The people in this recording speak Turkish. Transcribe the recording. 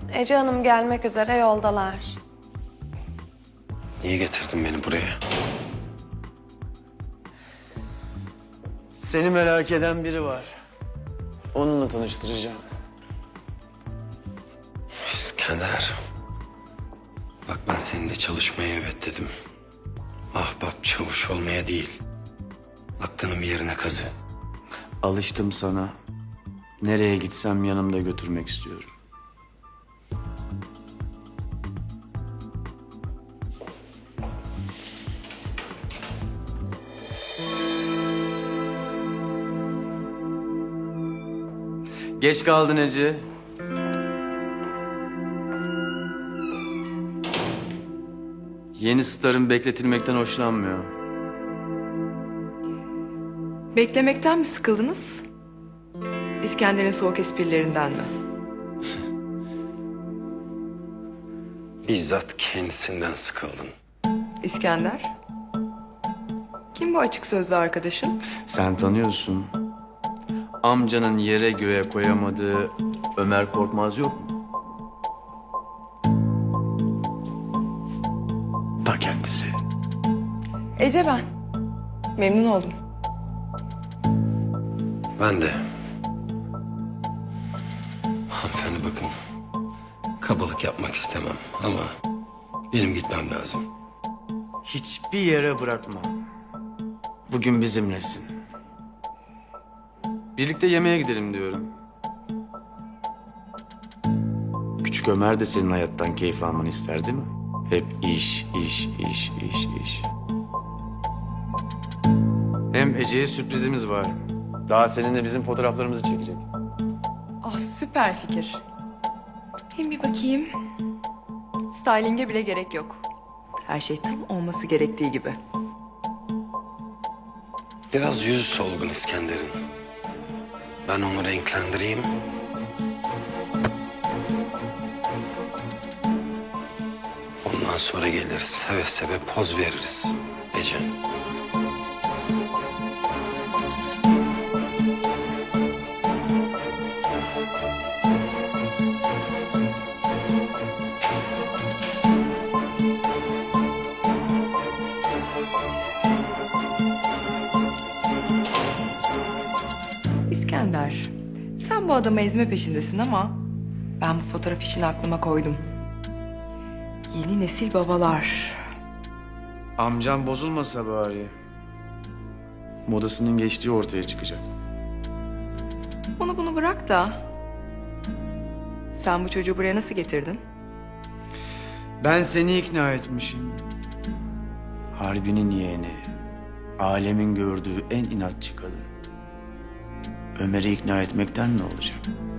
Ece Hanım gelmek üzere yoldalar. Niye getirdin beni buraya? Seni merak eden biri var. Onunla tanıştıracağım. İskender. Bak ben seninle çalışmaya evet dedim. Ahbap çavuş olmaya değil. Aklının bir yerine kazı. Alıştım sana. Nereye gitsem yanımda götürmek istiyorum. Geç kaldın Ece. Yeni starın bekletilmekten hoşlanmıyor. Beklemekten mi sıkıldınız? İskender'in soğuk esprilerinden mi? Bizzat kendisinden sıkıldın. İskender? Kim bu açık sözlü arkadaşın? Sen tanıyorsun. Amcanın yere göğe koyamadığı Ömer Korkmaz yok mu? Ta kendisi. Ece ben. Memnun oldum. Ben de. Hanımefendi bakın. Kabalık yapmak istemem ama benim gitmem lazım. Hiçbir yere bırakma. Bugün bizimlesin. Birlikte yemeğe gidelim diyorum. Küçük Ömer de senin hayattan keyif almanı ister değil mi? Hep iş, iş, iş, iş, iş. Hem Ece'ye sürprizimiz var. Daha seninle bizim fotoğraflarımızı çekecek. Ah süper fikir. Hem bir bakayım. Styling'e bile gerek yok. Her şey tam olması gerektiği gibi. Biraz yüzü solgun İskender'in. Ben onu renklendireyim. Ondan sonra gelir seve seve poz veririz Ece. İskender, sen bu adamı ezme peşindesin ama ben bu fotoğraf işini aklıma koydum. Yeni nesil babalar. Amcam bozulmasa bari. Modasının geçtiği ortaya çıkacak. Onu bunu bırak da. Sen bu çocuğu buraya nasıl getirdin? Ben seni ikna etmişim. Harbinin yeğeni. Alemin gördüğü en inatçı kadın. Ömer'i ikna etmekten ne olacak?